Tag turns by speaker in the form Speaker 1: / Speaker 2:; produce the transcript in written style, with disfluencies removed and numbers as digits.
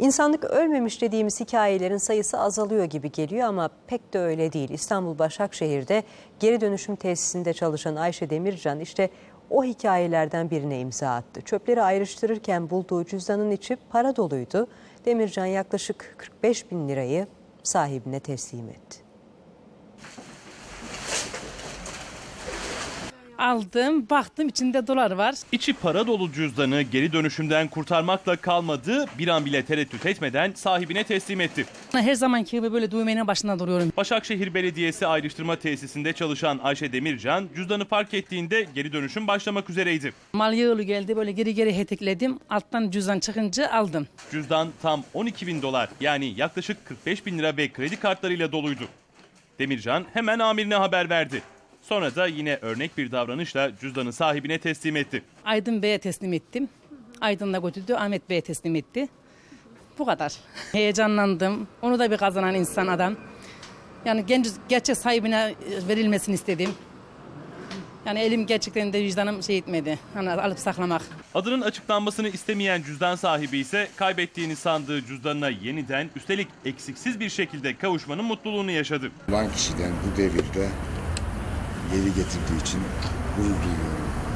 Speaker 1: İnsanlık ölmemiş dediğimiz hikayelerin sayısı azalıyor gibi geliyor ama pek de öyle değil. İstanbul Başakşehir'de geri dönüşüm tesisinde çalışan Ayşe Demircan işte o hikayelerden birine imza attı. Çöpleri ayrıştırırken bulduğu cüzdanın içi para doluydu. Demircan yaklaşık 45 bin lirayı sahibine teslim etti.
Speaker 2: Aldım, baktım içinde dolar var.
Speaker 3: İçi para dolu cüzdanı geri dönüşümden kurtarmakla kalmadı, bir an bile tereddüt etmeden sahibine teslim etti.
Speaker 2: Her zamanki gibi böyle düğmenin başında duruyorum.
Speaker 3: Başakşehir Belediyesi ayrıştırma tesisinde çalışan Ayşe Demircan cüzdanı fark ettiğinde geri dönüşüm başlamak üzereydi.
Speaker 2: Mal yığılı geldi, böyle geri hetekledim. Alttan cüzdan çıkınca aldım.
Speaker 3: Cüzdan tam 12 bin dolar yani yaklaşık 45 bin lira ve kredi kartlarıyla doluydu. Demircan hemen amirine haber verdi. Sonra da yine örnek bir davranışla cüzdanı sahibine teslim etti.
Speaker 2: Aydın Bey'e teslim ettim. Aydın'la götürdü, Ahmet Bey'e teslim etti. Bu kadar. Heyecanlandım. Onu da bir kazanan insan adam. Yani gerçek sahibine verilmesini istedim. Yani elim gerçekten de vicdanım şey etmedi. Hani alıp saklamak.
Speaker 3: Adının açıklanmasını istemeyen cüzdan sahibi ise kaybettiğini sandığı cüzdanına yeniden üstelik eksiksiz bir şekilde kavuşmanın mutluluğunu yaşadı.
Speaker 4: Olan kişiden bu devirde geri getirdiği için gurur duyuyorum.